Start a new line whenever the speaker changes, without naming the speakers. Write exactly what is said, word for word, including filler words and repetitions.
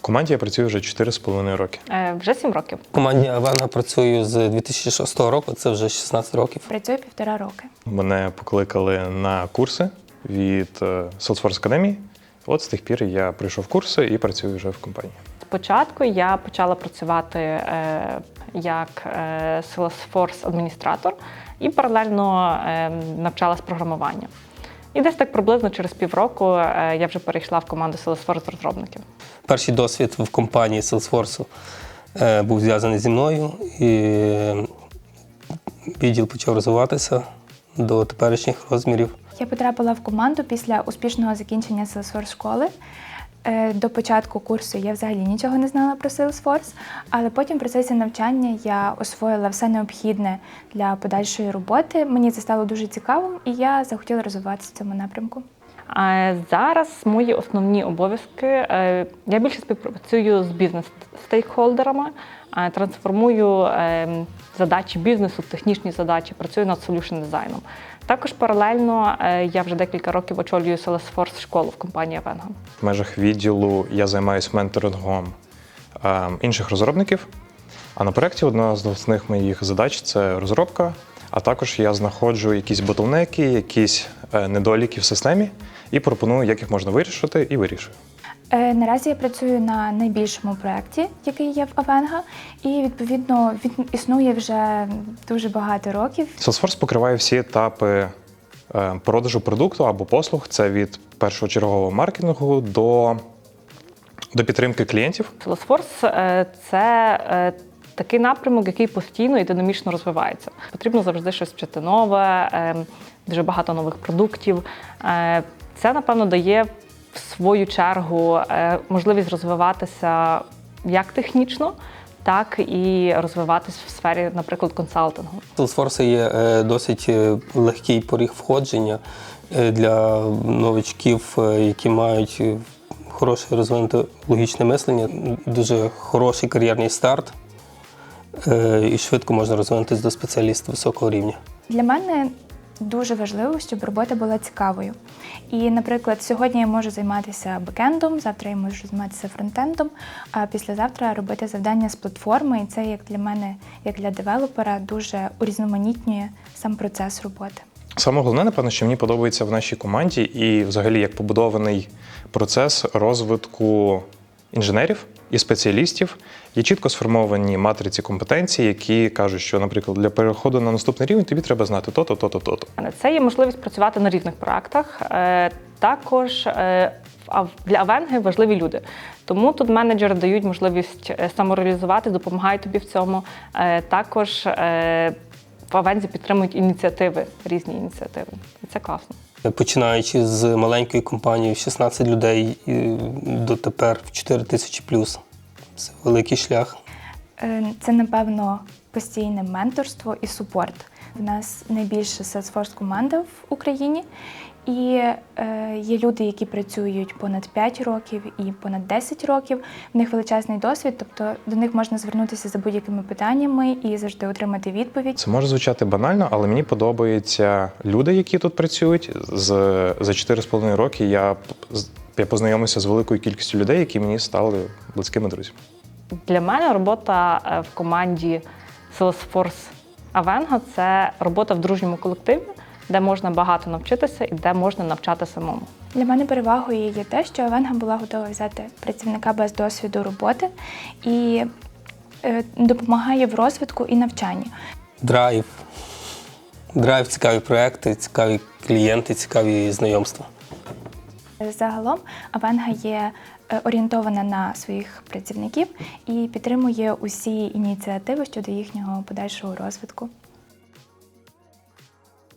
команді я працюю вже чотири з половиною роки.
Е, вже сім років.
В команді Авенга працюю з дві тисячі шостого року, це вже шістнадцять років.
Працюю півтора роки.
Мене покликали на курси від Salesforce Academy. От з тих пір я прийшов курси і працюю вже в компанії.
Спочатку я почала працювати е, як е, Salesforce-адміністратор і паралельно е, навчалась програмуванню. І десь так приблизно через півроку е, я вже перейшла в команду Salesforce-розробників.
Перший досвід в компанії Salesforce е, був зв'язаний зі мною, і відділ почав розвиватися до теперішніх розмірів.
Я потрапила в команду після успішного закінчення Salesforce школи. До початку курсу я взагалі нічого не знала про Salesforce, але потім в процесі навчання я освоїла все необхідне для подальшої роботи. Мені це стало дуже цікавим, і я захотіла розвиватися в цьому напрямку.
А зараз мої основні обов'язки. Я більше співпрацюю з бізнес-стейкхолдерами, трансформую задачі бізнесу, технічні задачі, працюю над солюшн-дизайном. Також паралельно я вже декілька років очолюю Salesforce школу в компанії Авенга.
В межах відділу я займаюся менторингом інших розробників, а на проєкті одна з основних моїх задач – це розробка, а також я знаходжу якісь ботлнеки, якісь недоліки в системі і пропоную, як їх можна вирішити, і вирішую.
Наразі я працюю на найбільшому проєкті, який є в Авенга, і, відповідно, він існує вже дуже багато років.
Salesforce покриває всі етапи продажу продукту або послуг. Це від першочергового маркетингу до, до підтримки клієнтів.
Salesforce – це такий напрямок, який постійно і динамічно розвивається. Потрібно завжди щось вчити нове, дуже багато нових продуктів. Це, напевно, дає в свою чергу можливість розвиватися як технічно, так і розвиватися в сфері, наприклад, консалтингу.
Salesforce є досить легкий поріг входження для новичків, які мають хороше розвинуте логічне мислення, дуже хороший кар'єрний старт, і швидко можна розвинутися до спеціаліста високого рівня.
Для мене дуже важливо, щоб робота була цікавою. І, наприклад, сьогодні я можу займатися бекендом, завтра я можу займатися фронтендом, а післязавтра робити завдання з платформи. І це, як для мене, як для девелопера, дуже урізноманітнює сам процес роботи.
Саме головне, напевно, що мені подобається в нашій команді і взагалі як побудований процес розвитку інженерів і спеціалістів. Є чітко сформовані матриці компетенцій, які кажуть, що, наприклад, для переходу на наступний рівень тобі треба знати то-то, то-то, то-то.
Це є можливість працювати на різних проєктах. Також для Авенги важливі люди. Тому тут менеджери дають можливість самореалізувати, допомагають тобі в цьому. Також в Авензі підтримують ініціативи, різні ініціативи. І це класно.
Починаючи з маленької компанії в шістнадцять людей до тепер в чотири тисячі плюс. Це великий шлях.
Це, напевно, постійне менторство і супорт. У нас найбільша Salesforce-команда в Україні. І е, є люди, які працюють понад п'ять років і понад десять років. В них величезний досвід, тобто до них можна звернутися за будь-якими питаннями і завжди отримати відповідь.
Це може звучати банально, але мені подобаються люди, які тут працюють. З, за чотири з половиною роки я, я познайомився з великою кількістю людей, які мені стали близькими друзями.
Для мене робота в команді Salesforce Авенга – це робота в дружньому колективі, де можна багато навчитися і де можна навчати самому.
Для мене перевагою є те, що Авенга була готова взяти працівника без досвіду роботи і е, допомагає в розвитку і навчанні.
Драйв. Драйв, цікаві проекти, цікаві клієнти, цікаві знайомства.
Загалом Авенга є орієнтована на своїх працівників і підтримує усі ініціативи щодо їхнього подальшого розвитку.